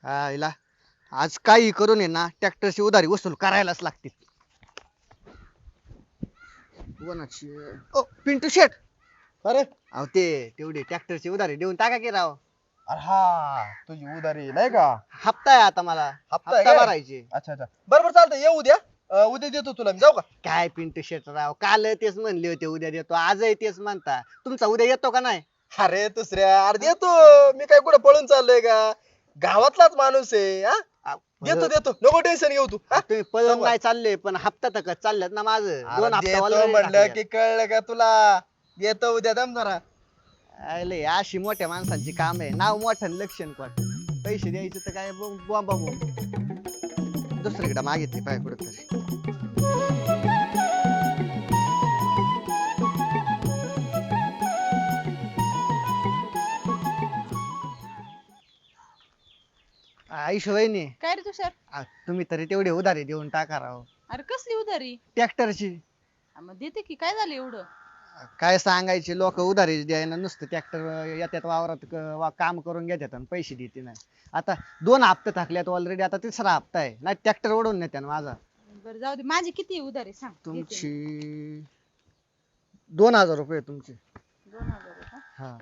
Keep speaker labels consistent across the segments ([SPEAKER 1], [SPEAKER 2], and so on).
[SPEAKER 1] आईला आज काही करून आहे ना ट्रॅक्टरची उधारी वसूल करायलाच लागते. कोणाची ओ पिंटू शेट.
[SPEAKER 2] अरे
[SPEAKER 1] अहो ते तेवढी ट्रॅक्टरची उधारी देऊन टाका की राव.
[SPEAKER 2] अरे हा तुझी उधारी नाही का?
[SPEAKER 1] हप्ता आहे आता मला.
[SPEAKER 2] हप्ता आहे
[SPEAKER 1] हप्ता
[SPEAKER 2] काय?
[SPEAKER 1] भरायचे.
[SPEAKER 2] अच्छा अच्छा बरोबर चालतंय ये उद्या. उद्या देतो तुला मी जाऊ का?
[SPEAKER 1] काय पिंटू शेट राव काल तेच म्हणले होते उद्या देतो आजही तेच म्हणता तुमचा उद्या येतो का नाही?
[SPEAKER 2] अरे दुसऱ्या अरे देतो. मी काय कुठं पळून चाललोय का? गावातलाच माणूस आहे हा. देतो देतो नको टेन्शन घेऊ तू हा?
[SPEAKER 1] तुम्ही पळून
[SPEAKER 2] समोर.
[SPEAKER 1] नाही चालले पण हप्ता तर चालल्यात ना माझं
[SPEAKER 2] अरे
[SPEAKER 1] 2 हप्ता
[SPEAKER 2] देतो
[SPEAKER 1] already
[SPEAKER 2] म्हणलं
[SPEAKER 1] टाकल्यात.
[SPEAKER 2] की कळलं का तुला? येतो उद्या दम जरा.
[SPEAKER 1] आले अशी मोठ्या माणसांची काम आहे नाव मोठं आणि लक्षण कोट पैसे द्यायचे तर काय बॉम्बा बॉम्ब दुसरीकडे मागितली पाय कुठेतरी. आयुष वहिनी
[SPEAKER 3] काय रे तुषार?
[SPEAKER 1] तुम्ही तरी तेवढे उधारी देऊन टाका राव
[SPEAKER 3] अरे कसली उधारी?
[SPEAKER 1] ट्रॅक्टरची.
[SPEAKER 3] मग देते की काय झालं एवढं?
[SPEAKER 1] काय सांगायचे लोक उधारी द्यायला नुसतं ट्रॅक्टर येतात वावरात काम करून घेतात आणि पैसे देते नाही. आता 2 हप्ते थकल्यात ऑलरेडी आता 3रा हप्ता आहे नाही ट्रॅक्टर ओढून नेत्या ना माझा.
[SPEAKER 3] बरं जाऊ दे माझी किती उधारी सांग देते.
[SPEAKER 1] तुमची 2000 रुपये तुमचे.
[SPEAKER 3] 2000 आहे का?
[SPEAKER 1] हा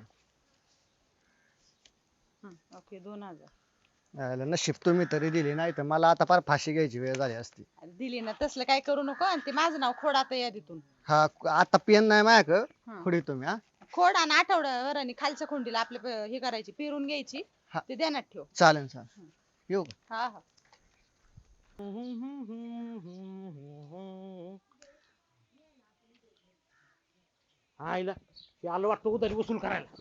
[SPEAKER 3] ओके 2000.
[SPEAKER 1] नशीब तुम्ही तरी दिली नाही तर मला आता फार फाशी घ्यायची वेळ झाली असती.
[SPEAKER 3] अरे दिली ना तसलं काय करू नको आणि ते माझं नाव खोड आता यादीतून.
[SPEAKER 1] हा आता पेन नाही माझ्याकडं
[SPEAKER 3] हा.
[SPEAKER 1] पुढे तुम्ही हा
[SPEAKER 3] खोड आणि आठवड्यावर आणि खालच्या खोंडीला आपले हे करायची पेरून घ्यायची.
[SPEAKER 1] हा.
[SPEAKER 3] ते ध्यानात ठेव.
[SPEAKER 1] चालेल चालेल येऊ का?
[SPEAKER 3] हा हा.
[SPEAKER 4] आईला ते आलं वाटतं उधारी वसूल करायला.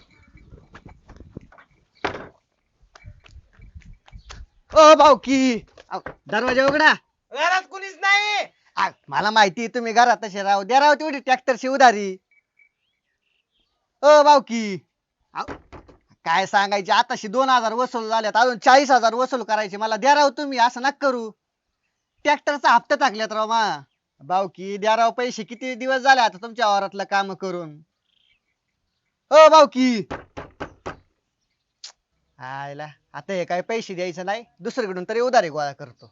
[SPEAKER 1] ओ भाऊकी दरवाजा उघडा.
[SPEAKER 2] घरात कुणीच नाही.
[SPEAKER 1] मला माहिती तुम्ही घरात तसे राहू द्या राव तेवढी ट्रॅक्टरची उधारी. ओ भाऊकी काय सांगायचे आताशी 2000 वसूल झाल्यात अजून 40,000 वसूल करायचे मला द्या राव तुम्ही असं नका करू. ट्रॅक्टरचा हप्ता टाकल्यात राव मा भाऊकी द्या राव पैसे किती दिवस झाले आता तुमच्या वावरातलं काम करून. ओ भाऊकी आयला आता हे काय पैसे द्यायचं नाही दुसरीकडून तरी उधारी गोळा करतो.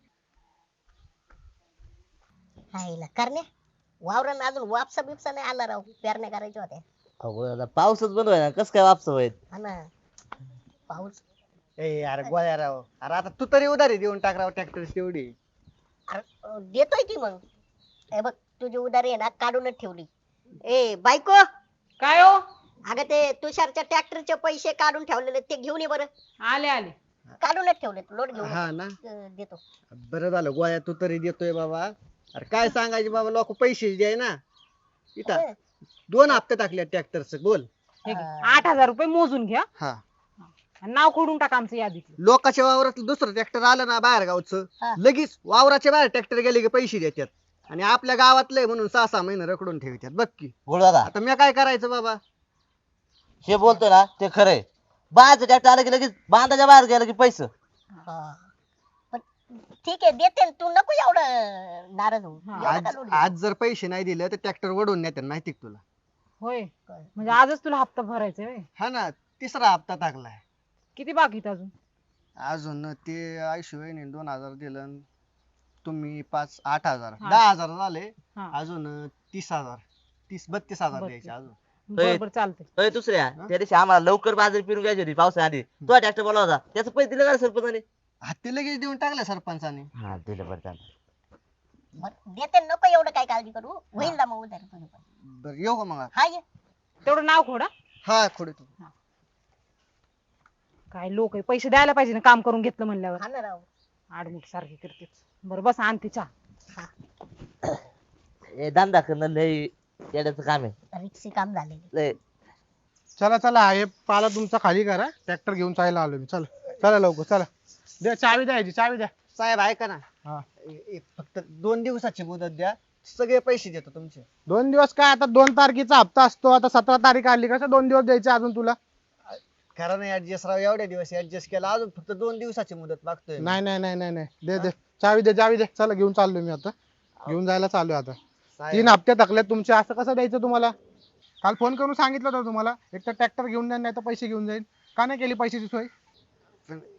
[SPEAKER 5] हायला करण्या वावरानं अजून वापसा बिपसा नाही आला राव पेरण्या करायच्या होत्या.
[SPEAKER 6] अहो आता पाऊसच बंद व्हाय ना कस काय वापस होईल.
[SPEAKER 5] हा ना पाऊस.
[SPEAKER 1] ए यार गोळ्या राव अरे आता तू तरी उधारी देऊन टाक राव ट्रॅक्टरची तेवढी.
[SPEAKER 5] देतोय की मग हे बघ तुझी उधारी आहे ना काढूनच ठेवली. ए बायको
[SPEAKER 3] काय हो?
[SPEAKER 5] अगं ते तुषारच्या ट्रॅक्टरचे पैसे काढून ठेवलेले ते घेऊन ये बरं.
[SPEAKER 3] आले आले.
[SPEAKER 5] काढूनच ठेवले लोट घेऊन
[SPEAKER 1] हा ना
[SPEAKER 5] देतो.
[SPEAKER 1] बरं झालं गोळ्या तू तरी देतोय बाबा. अरे काय सांगायचे बाबा लोक पैसे द्याय ना इथं 2 हप्ते टाकले ट्रॅक्टरचं बोल.
[SPEAKER 3] हे घे. 8000 रुपये मोजून घ्या
[SPEAKER 1] हा
[SPEAKER 3] आणि नाव खोडून टाका आमचं यादीतलं.
[SPEAKER 1] लोकांच्या वावरात दुसरं ट्रॅक्टर आलं ना बाहेर गावचं
[SPEAKER 5] हा.
[SPEAKER 1] लगेच वावराच्या बाहेर ट्रॅक्टर गेले की पैसे देतात आणि आपल्या गावातले म्हणून 6-6 महिने रखडून ठेवतात बघ की.
[SPEAKER 6] बोल दादा
[SPEAKER 1] आता मी काय करायचं बाबा.
[SPEAKER 6] हे बोलतोय ना ते खरंय. बाहेरचं ट्रॅक्टर आलं की लगेच बांधाच्या बाहेर गेलं की पैसे.
[SPEAKER 5] हा. पण ठीक आहे देते ना, तू नको एवढं नाराज होऊ. एवढं
[SPEAKER 1] आज
[SPEAKER 5] का लोट
[SPEAKER 1] आज जर पैसे नाही दिले तर ट्रॅक्टर वडून नेतात माहिती का तुला.
[SPEAKER 3] होय
[SPEAKER 5] घेतो?
[SPEAKER 3] म्हणजे आजच तुला हप्ता भरायचा आहे.
[SPEAKER 1] हा ना 3रा हप्ता टाकलाय.
[SPEAKER 3] किती बाकी अजून?
[SPEAKER 1] अजून ते आयुष्यवाहिनी 2000 दिलं आणि तुम्ही 8,000
[SPEAKER 3] हा.
[SPEAKER 1] 10,000 झाले.
[SPEAKER 3] हा.
[SPEAKER 1] अजून 30,000 32,000 द्यायचे अजून.
[SPEAKER 3] बरोबर चालतंय.
[SPEAKER 6] अय दुसऱ्या त्या दिवशी आम्हाला लवकर बाजरी पिरून घ्यायची होती पावसा आधी तो ट्रॅक्टर बोला होता त्याचं पैसे दिलं का रे सरपंचाने.
[SPEAKER 1] हा ते लगेच देऊन टाकलं सरपंचाने.
[SPEAKER 6] हा दिलं बरं चालतं.
[SPEAKER 5] बरं, देते ना, नको एवढं काय काळजी करू होईल ना मग उधारी तुझी पण.
[SPEAKER 1] बरं येऊ का मग.
[SPEAKER 5] हा ये.
[SPEAKER 3] तेवढं नाव खोडा.
[SPEAKER 1] हा खोडे तू.
[SPEAKER 3] काय लोक आहे पैसे द्यायला पाहिजे ना काम करून घेतलं म्हणल्यावर.
[SPEAKER 5] हा ना राव.
[SPEAKER 3] आडमुठ सारखी करतेच. बरं बस आणते चहा.
[SPEAKER 6] हे धंदा करणं लय येड्याचं काम आहे
[SPEAKER 5] रिक्षी काम झाले.
[SPEAKER 6] लय.
[SPEAKER 2] चला चला हे पाला तुमचा खाली करा ट्रॅक्टर घेऊन चायला आलो मी. चला चला लवकर चला. द्या चावी द्यायची चावी द्या.
[SPEAKER 1] साहेब ऐका ना
[SPEAKER 2] हा.
[SPEAKER 1] फक्त 2 दिवसाची मुदत द्या सगळे पैसे देतो तुमचे.
[SPEAKER 2] 2 दिवस काय आता 2 तारखेचा हप्ता असतो आता 17 तारीख आली कसं 2 दिवस द्यायचे अजून तुला.
[SPEAKER 1] कारण ऍडजस्ट राव एवढ्या दिवस ऍडजस्ट केला अजून फक्त 2 दिवसाची मुदत मागतोय.
[SPEAKER 2] नाही नाही नाही नाही नाही दे दे चावी दे चला घेऊन चाललो मी आता. घेऊन जायला चालू आता.
[SPEAKER 1] साहेब,
[SPEAKER 2] 3 हप्ते थकले तुमचे असं कसं द्यायचं तुम्हाला. काल फोन करून सांगितलं होतं तुम्हाला एक तर ट्रॅक्टर घेऊन जाईल नाही तर पैसे घेऊन जाईल. का नाही केली पैशाची सोय.
[SPEAKER 1] पण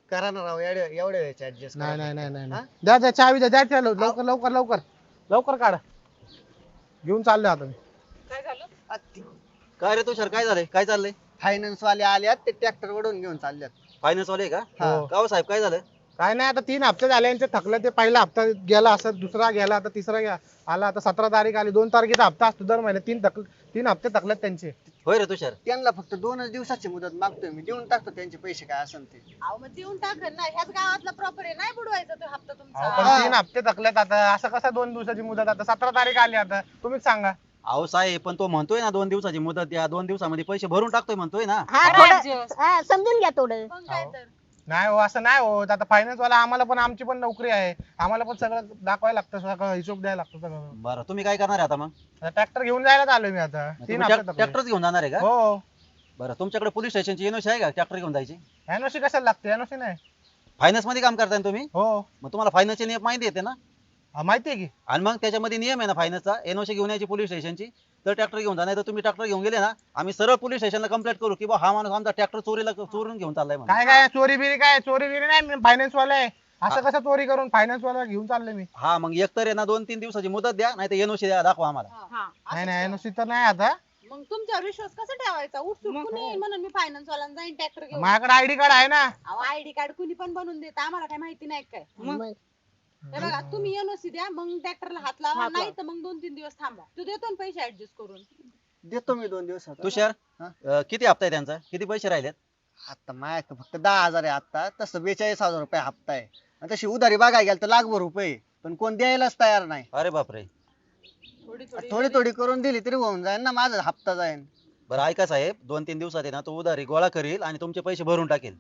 [SPEAKER 1] करा ना राव एवढ्या वेळेचे ऍडजस्ट
[SPEAKER 4] नाही नाही नाही नाही नाही. द्या द्या चावी द्या द्या त्या लवकर लवकर लवकर लवकर काढा घेऊन चाललो आता मी.
[SPEAKER 3] काय झालं?
[SPEAKER 7] काय रे तुषार काय झालंय काय चाललंय
[SPEAKER 1] फायनान्स वाले आल्यात ते ट्रॅक्टर वडून घेऊन चालल्यात.
[SPEAKER 7] फायनान्स वाले का
[SPEAKER 4] हो.
[SPEAKER 7] का हो साहेब काय झालं
[SPEAKER 4] काय नाही आता 3 हप्ते झाले यांचे थकले ते पहिला हप्ता गेला असं दुसरा गेला आता तिसरा गेला आला आता 17 तारीख आली 2 तारखेचा हप्ता असतो दर महिन्यात 3 हप्ते थकलेत त्यांचे.
[SPEAKER 7] होय रे तुषार
[SPEAKER 1] त्यांना फक्त 2च दिवसाची मुदत मागतोय मी देऊन टाकतो त्यांचे पैसे काय असेल ते.
[SPEAKER 3] अहो मग देऊन टाकन ना, ह्याच गावातला प्रॉपर्टी नाही बुडवायचा तो हप्ता
[SPEAKER 4] अहो,
[SPEAKER 3] तुमचा.
[SPEAKER 4] पण 3 हप्ते थकलेत आता असं कसं 2 दिवसाची मुदत आता 17 तारीख आली आता तुम्हीच सांगा.
[SPEAKER 7] अहो साहेब पण तो म्हणतोय ना 2 दिवसाची मुदत द्या 2 दिवसामध्ये पैसे भरून टाकतोय म्हणतोय ना.
[SPEAKER 5] हा
[SPEAKER 3] करा
[SPEAKER 5] थोडं
[SPEAKER 3] adjust.
[SPEAKER 5] हा समजून घ्या थोडं.
[SPEAKER 3] मग काय तर.
[SPEAKER 4] नाही हो असं नाही होत आता फायनान्स वाला आम्हाला पण आमची पण नोकरी आहे आम्हाला पण सगळं दाखवायला लागतं सगळं हिशोब द्यायला लागतो सगळं.
[SPEAKER 7] बरं तुम्ही काय करणार आहे आता मग
[SPEAKER 4] ट्रॅक्टर घेऊन जायला आलोय मी आता 3 हप्ते थकले.
[SPEAKER 7] ट्रॅक्टरच घेऊन जाणार आहे का
[SPEAKER 4] हो
[SPEAKER 7] बरं तुमच्याकडे पोलीस स्टेशनची एनओसी आहे का ट्रॅक्टर घेऊन जायची
[SPEAKER 4] एनओसी कशाला लागते एनओसी नाही.
[SPEAKER 7] फायनान्स मध्ये काम करताय ना तुम्ही
[SPEAKER 4] हो
[SPEAKER 7] मग तुम्हाला फायनान्सचे नियम माहिती येते ना
[SPEAKER 4] माहितीये की
[SPEAKER 7] आणि मग त्याच्यामध्ये नियम आहे ना फायनान्सचा एनओसी घेऊन यायची पोलीस स्टेशनची तर ट्रॅक्टर घेऊन जा नाही तर तुम्ही ट्रॅक्टर घेऊन गेले ना आम्ही सरळ पोलीस स्टेशनला कंप्लेंट करू की बा हा माणूस आमचा ट्रॅक्टर चोरून घेऊन चाललाय म्हणून.
[SPEAKER 4] काय काय चोरी बिरी काय चोरी बिरी नाही मी फायनान्स वाला आहे असं कसं चोरी करून फायनान्स वाला घेऊन चाललोय मी.
[SPEAKER 7] हा मग एकतर आहे ना 2-3 दिवसाची मुदत द्या नाही तर एनओसी द्या दाखवा आम्हाला.
[SPEAKER 3] हा,
[SPEAKER 4] नाही
[SPEAKER 3] असं
[SPEAKER 4] नाही
[SPEAKER 3] करा.
[SPEAKER 4] एनओसी तर नाही आता
[SPEAKER 3] मग तुमच्यावर विश्वास कसा ठेवायचा? उठसूट कुणी येईल म्हणून मी फायनान्स वाल्यांना जाईन ट्रॅक्टर घेऊन.
[SPEAKER 4] माझ्याकडे आयडी कार्ड आहे ना.
[SPEAKER 3] अहो आयडी कार्ड कुणी पण बनवून देत आम्हाला काय माहिती नाही काय.
[SPEAKER 5] मग
[SPEAKER 3] हे बघा तुम्ही एनओसी द्या मग ट्रॅक्टरला हात लावा नाही तर मग 2-3 दिवस थांबा. तू देतो ना पैसे ऍडजस्ट करून.
[SPEAKER 1] देतो मी 2 दिवसात.
[SPEAKER 7] तुषार
[SPEAKER 1] हा?
[SPEAKER 7] किती हप्ता आहे त्यांचा किती पैसे राहिलेत
[SPEAKER 1] आता माझ्याकडे फक्त 10,000 आहे आता तसं 42,000 रुपये हप्ता आहे आणि तशी उधारी बघायला गेलं तर लाखभर रुपये पण कोण द्यायलाच तयार नाही.
[SPEAKER 7] अरे बापरे
[SPEAKER 1] थोडी थोडी करून दिली तरी होऊन जाईल ना माझा हप्ता जाईल.
[SPEAKER 7] बरं ऐका साहेब 2-3 दिवसात आहे ना तो उधारी गोळा करील आणि तुमचे पैसे भरून टाकेल.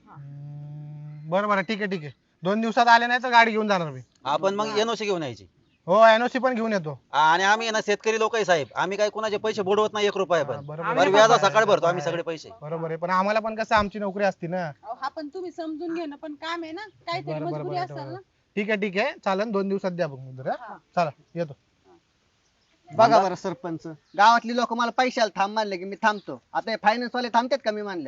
[SPEAKER 4] बरं बरं ठीक आहे 2 दिवसात आले नाही तर गाडी घेऊन जाणार मी.
[SPEAKER 7] आपण मग एनओसी घेऊन यायची
[SPEAKER 4] हो एनओसी पण घेऊन येतो.
[SPEAKER 7] आणि आम्ही आहे ना शेतकरी लोक आहे साहेब आम्ही काय कोणाचे पैसे बुडवत नाही 1 रुपया पण
[SPEAKER 4] बरोबर
[SPEAKER 7] बरं व्याज सकाळी भरतो आम्ही सगळे पैसे.
[SPEAKER 4] बरोबर आहे पण आम्हाला पण कसं आमची नोकरी असती ना.
[SPEAKER 3] अहो हा पण तुम्ही समजून घेणं पण काम आहे ना काहीतरी
[SPEAKER 4] बरं, बरं,
[SPEAKER 3] मजबुरी
[SPEAKER 4] बरं,
[SPEAKER 3] असेल
[SPEAKER 4] बरं.
[SPEAKER 3] ना.
[SPEAKER 4] ठीक आहे चालेल 2 दिवसात द्या बघ मुद्दर, हा?
[SPEAKER 3] हा.
[SPEAKER 4] चला येतो.
[SPEAKER 1] बघा बरं सरपंच गावातली लोक मला पैशाला थांब मानले की मी थांबतो आता फायनान्स वाले थांबतात का मी मानलं.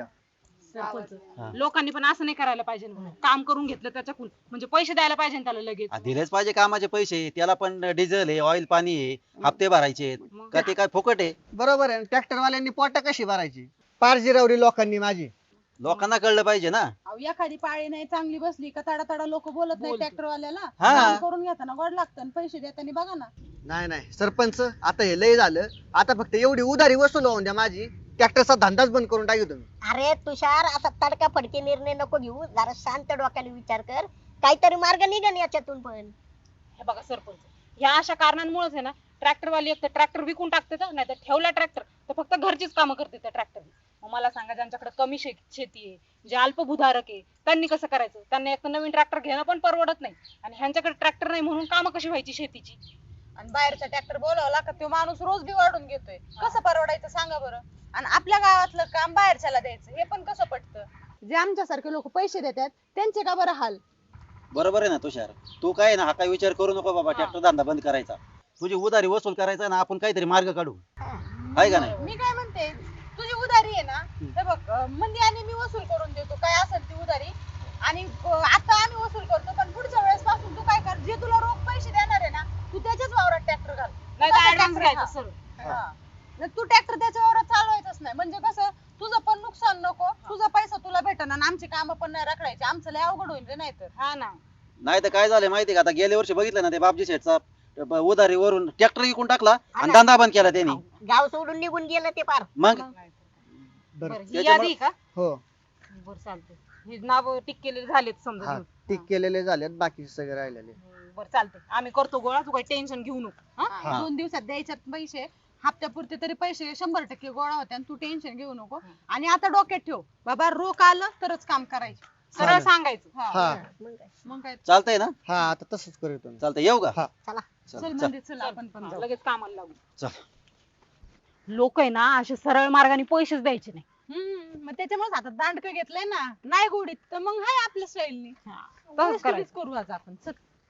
[SPEAKER 3] सरपंच लोकांनी पण असं नाही करायला पाहिजे ना. काम करून घेतलं त्याच्याकडून म्हणजे पैसे द्यायला पाहिजे ना त्याला लगेच.
[SPEAKER 7] दिलेच पाहिजे कामाचे पैसे त्याला पण डिझेल आहे ऑइल पाणी आहे हप्ते भरायचे
[SPEAKER 3] मग
[SPEAKER 7] का ते काय फुकट आहे
[SPEAKER 1] बरोबर आहे ट्रॅक्टर वाल्यांनी पोट कशी भरायची पार जिरवली लोकांनी माझी.
[SPEAKER 7] लोकांना कळलं पाहिजे ना.
[SPEAKER 3] अहो एखादी पाळी नाही चांगली बसली का तडा तडा लोक बोलत नाही ट्रॅक्टर वाल्याला.
[SPEAKER 7] हा.
[SPEAKER 3] काम करून घेताना गोड लागतं आणि पैसे देताना बघा ना.
[SPEAKER 1] नाही नाही सरपंच आता हे लय झालं आता फक्त एवढी उधारी वसूल होऊन द्या माझी ट्रॅक्टरचा धंदाच बंद करून टाकू तुम्ही.
[SPEAKER 5] अरे तुषार असा तडका फडके निर्णय नको घेऊ जरा शांत डोक्याने विचार कर काहीतरी मार्ग निघन याच्यातून पण.
[SPEAKER 8] हे बघा सरपंच ह्या अशा कारणांमुळेच आहे ना ट्रॅक्टरवाली एक तर ट्रॅक्टर विकून टाकते नाही तर ठेवला ट्रॅक्टर तर फक्त घरचीच कामं करते त्या ट्रॅक्टर. मग मला सांगा ज्यांच्याकडे कमी शेती आहे जे अल्पभूधारक आहे त्यांनी कसं करायचं त्यांना एक तर नवीन ट्रॅक्टर घेणं पण परवडत नाही आणि ह्यांच्याकडे ट्रॅक्टर नाही म्हणून कामं कशी व्हायची शेतीची.
[SPEAKER 3] आणि बाहेरचा ट्रॅक्टर बोलावला का तो माणूस रोज बी वाढून घेतोय कसं परवडायचं सांगा बरं. आणि आपल्या गावातलं काम बाहेरच्याला द्यायचं हे पण कसं पटतं. जे आमच्यासारखे लोक पैसे देतात त्यांचे का बरं हाल.
[SPEAKER 7] बरोबर आहे ना तुषार तू काय ना हा काय विचार करू नको बाबा ट्रॅक्टर धंदा बंद करायचा तुझी उधारी वसूल करायचा ना आपण काहीतरी मार्ग काढू आहे का नाही.
[SPEAKER 3] मी काय म्हणते तुझी उधारी आहे ना हे बघ मंदी आणि मी वसूल करून देतो काय असेल ती उधारी आणि आता आम्ही वसूल करतो पण पुढच्या वेळेस पासून तू काय कर जे तुला रोख पैसे देणार आहे ना तू त्याच्याच वावरात ट्रॅक्टर घाल.
[SPEAKER 8] नाही तर ऍडव्हान्स घ्यायचं सर.
[SPEAKER 3] नाही, तू ट्रॅक्टर त्याच्या वावरात चालवायचंच नाही म्हणजे कसं तुझं पण नुकसान नको तुझा पैसा तुला भेटन आणि आमची कामं पण नाही रखडायची आमचं लय अवघड होईल रे नाही तर.
[SPEAKER 8] हा ना
[SPEAKER 7] नाही तर काय झालं माहिती का आता गेल्या वर्षी बघितलं ना ते बापजी शेठचा उधारीवरून ट्रॅक्टर विकून टाकला आणि धंदा बंद केला त्यांनी.
[SPEAKER 5] गाव सोडून निघून गेलं ते पार.
[SPEAKER 7] मग
[SPEAKER 8] बरं ही यादी का
[SPEAKER 1] हो
[SPEAKER 8] बरं चालतंय ही नाव टिक केलेले झालेत समजा
[SPEAKER 1] हा टिक केलेले झालेत बाकी सगळे राहिलेले.
[SPEAKER 8] बरं चालतंय आम्ही करतो गोळा तू काही टेन्शन घेऊ नको. हा?
[SPEAKER 1] हा.
[SPEAKER 3] 2 दिवसात द्यायच्यात पैसे हप्त्यापुरते तरी पैसे 100% गोळा होते आणि तू टेन्शन घेऊ नको. आणि आता डोक्यात ठेव बाबा रोख आलं तरच काम करायचं
[SPEAKER 8] सरळ
[SPEAKER 1] चालेल.
[SPEAKER 8] सांगायचं.
[SPEAKER 1] हा
[SPEAKER 3] मग काय
[SPEAKER 7] चालतंय ना
[SPEAKER 1] हा आता तसंच करू तुम्ही.
[SPEAKER 7] चालतंय येऊ का
[SPEAKER 1] हा.
[SPEAKER 5] चला
[SPEAKER 3] चल म्हणजे चल आपण पण जाऊ.
[SPEAKER 8] लगेच कामाला लागू.
[SPEAKER 7] चल.
[SPEAKER 8] लोक आहे ना असे सरळ मार्गाने पैसेच द्यायचे नाही.
[SPEAKER 3] मग त्याच्यामुळे आता दांडकं घेतलंय ना नाही गोडीत तर मग हाय आपल्या स्टाईलनी
[SPEAKER 8] तसंच करायचं.
[SPEAKER 3] करू आज आपण चल.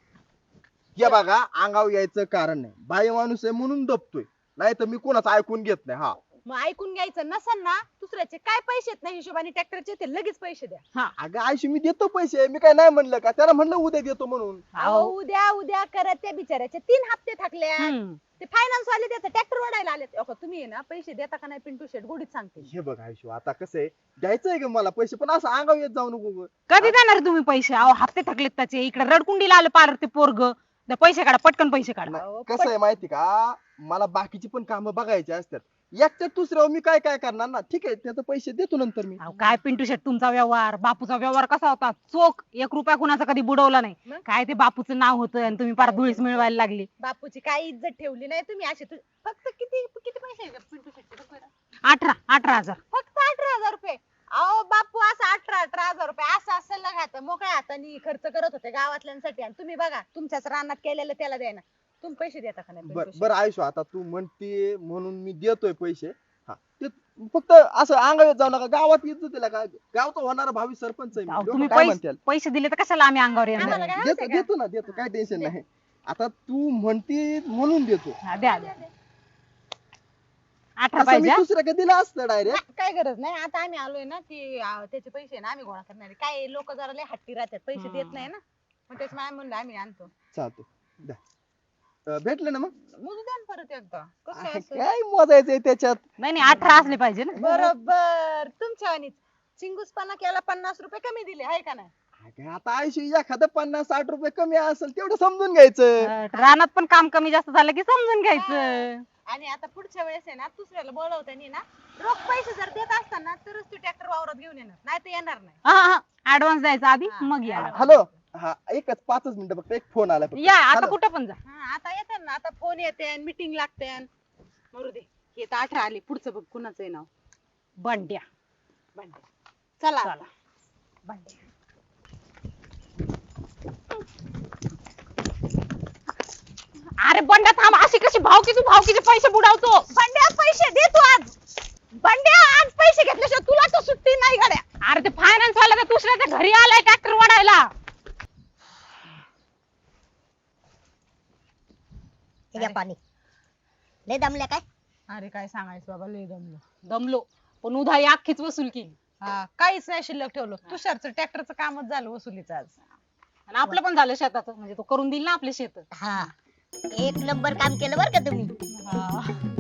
[SPEAKER 2] हे बघा अंगावर यायचं कारण नाही बाई माणूस आहे म्हणून दबतोय नाही तर मी कोणाचं ऐकून घेत नाही. हा
[SPEAKER 3] मग ऐकून घ्यायचं नसन ना दुसऱ्याचे काय पैसे आहेत ना हिशोबाने ट्रॅक्टरचे ते लगेच पैसे द्या.
[SPEAKER 2] अगं आयुष्य मी देतो पैसे, मी काय नाही म्हणलं का, त्याला म्हणलं उद्या देतो म्हणून.
[SPEAKER 3] अहो उद्या उद्या करत त्या बिचाऱ्याचे 3 हप्ते थकले. ते फायनान्स वाले त्याचं ट्रॅक्टर वाढायला आले. तुम्ही आहे ना पैसे देता का नाही पिंटू शेट गोडीत सांगते.
[SPEAKER 2] हे बघ आयुष्य, आता कसं आहे, द्यायचंय का मला पैसे, पण असं अंगावर येत जाऊ नको गं.
[SPEAKER 8] कधी देणार तुम्ही पैसे? अहो हप्ते थकलेत त्याचे. इकडे रडकुंडीला आलं पार ते पोरग. पैसे काढा पटकन पैसे काढा.
[SPEAKER 3] अहो,
[SPEAKER 2] कसं आहे माहिती का, मला बाकीची पण कामं बघायची असतात. एकट्यात दुसऱ्यावर मी काय काय करणार ना. ठीक आहे, त्याचे पैसे देतो नंतर मी.
[SPEAKER 8] अहो काय पिंटू शेट तुमचा व्यवहार, बापूचा व्यवहार कसा होता? चोख 1 रुपया कुणाचा कधी बुडवला नाही.
[SPEAKER 3] मग?
[SPEAKER 8] काय ते बापूचं नाव होतं आणि तुम्ही पार धुळीस मिळवायला लागली.
[SPEAKER 3] बापूची काही इज्जत ठेवली नाही तुम्ही. असे फक्त किती किती पैसे आहे पिंटू शेटचे? बघ बरं.
[SPEAKER 8] 18,000.
[SPEAKER 3] फक्त 18,000 रुपये. अहो बापू असं 18,000 रुपये असं सल्ला घात मोकळ्या हाताने खर्च करत होते गावातल्यांसाठी आणि तुम्ही बघा तुमच्याच रानात केलेलं त्याला द्यायना. तुम्ही पैसे देता का नाही? पिंटू शेट?
[SPEAKER 2] बरं आयुष्य, आता तू म्हणते म्हणून मी देतोय पैसे. हा, ते फक्त असं अंगावर येत जाऊ नका. गावात येत तिला का, गावचा होणारा भावी सरपंच आहे मी.
[SPEAKER 8] अहो,
[SPEAKER 2] लोकं
[SPEAKER 8] तुम्ही
[SPEAKER 2] काय
[SPEAKER 8] पैसे
[SPEAKER 2] म्हणतील?
[SPEAKER 8] पैसे दिले तर कशाला आम्ही अंगावर येणार?
[SPEAKER 3] आम्हाला काय
[SPEAKER 2] देतो
[SPEAKER 3] हवंय का?
[SPEAKER 2] देतो ना, देतो, काय टेन्शन नाही. आता तू म्हणते म्हणून देतो.
[SPEAKER 8] हा, द्या द्या. 18
[SPEAKER 2] असं मी
[SPEAKER 8] पाहिजे हा?
[SPEAKER 2] दुसऱ्या दिला असतं डायरेक्ट.
[SPEAKER 3] नाही, काय गरज नाही. आता आम्ही आलोय ना की त्याचे पैसे ना आम्ही गोळा करणार आहे. काय लोक जरा लय हट्टी राहतात, पैसे देत नाही ना. मग त्याच्यामुळे आम्ही म्हणलं आम्ही आणतो.
[SPEAKER 2] चालतो, द्या. भेटलं ना मग.
[SPEAKER 3] मोजू द्या ना परत एकदा. कसं आहे असं?
[SPEAKER 2] काय मोजायचंय त्याच्यात.
[SPEAKER 8] नाही नाही 18 असले पाहिजे ना.
[SPEAKER 3] बरोबर तुमच्या वाणीच. चिंगूसपणा केला 50 रुपये कमी दिले आहे का नाही?
[SPEAKER 2] अगं, आता आयुष्य एखादं 50-60 रुपये कमी असेल तेवढं समजून घ्यायचं.
[SPEAKER 8] रानात पण काम कमी जास्त झालं की समजून घ्यायचं.
[SPEAKER 3] आणि आता पुढच्या वेळेस आहे ना दुसऱ्याला बोलवताना ना रोख पैसे जर देत असताना तरच तू ट्रॅक्टर वावरात घेऊन येणार, नाही तर येणार नाही.
[SPEAKER 8] हा ऍडव्हान्स द्यायचा आधी
[SPEAKER 3] हा,
[SPEAKER 8] मग या.
[SPEAKER 3] advance.
[SPEAKER 2] हॅलो, हा एकच 5 मिनिटं फक्त, एक फोन आला फक्त.
[SPEAKER 8] या आता
[SPEAKER 2] हॅलो.
[SPEAKER 8] कुठं पण जा.
[SPEAKER 3] हा, आता येतात ना, आता फोन येते मीटिंग लागते. मरू दे, हे तर 18 आले. पुढचं बघ कुणाचं आहे नाव.
[SPEAKER 8] बंड्या.
[SPEAKER 3] बंड्या. चला
[SPEAKER 8] चला.
[SPEAKER 3] बंड्या.
[SPEAKER 8] अरे बंड्या थांब, अशी कशी भावकीचे पैसे बुडावतो?
[SPEAKER 3] बंड्या पैसे दे तू आज. बंड्या आज पैसे घेतल्याशिवाय तुला तर सुट्टी नाही गड्या.
[SPEAKER 8] अरे ते फायनान्स वाला तर दुसऱ्याच्या घरी आलाय ट्रॅक्टर वाढायला.
[SPEAKER 5] हे घ्या पाणी. लय दमल्या काय?
[SPEAKER 3] अरे काय सांगायचं बाबा, लय दमलो.
[SPEAKER 8] दमलो पण उधारी अख्खीच वसूल केली.
[SPEAKER 3] हा, काहीच नाही शिल्लक ठेवलं. तुषारचं ट्रॅक्टरचं कामच झालं वसुलीचं आज.
[SPEAKER 8] आणि आपलं पण झालं शेताचं, म्हणजे तो करून देईल ना आपले शेत.
[SPEAKER 5] हा, एक नंबर काम केलं बरं का तुम्ही.
[SPEAKER 3] हा.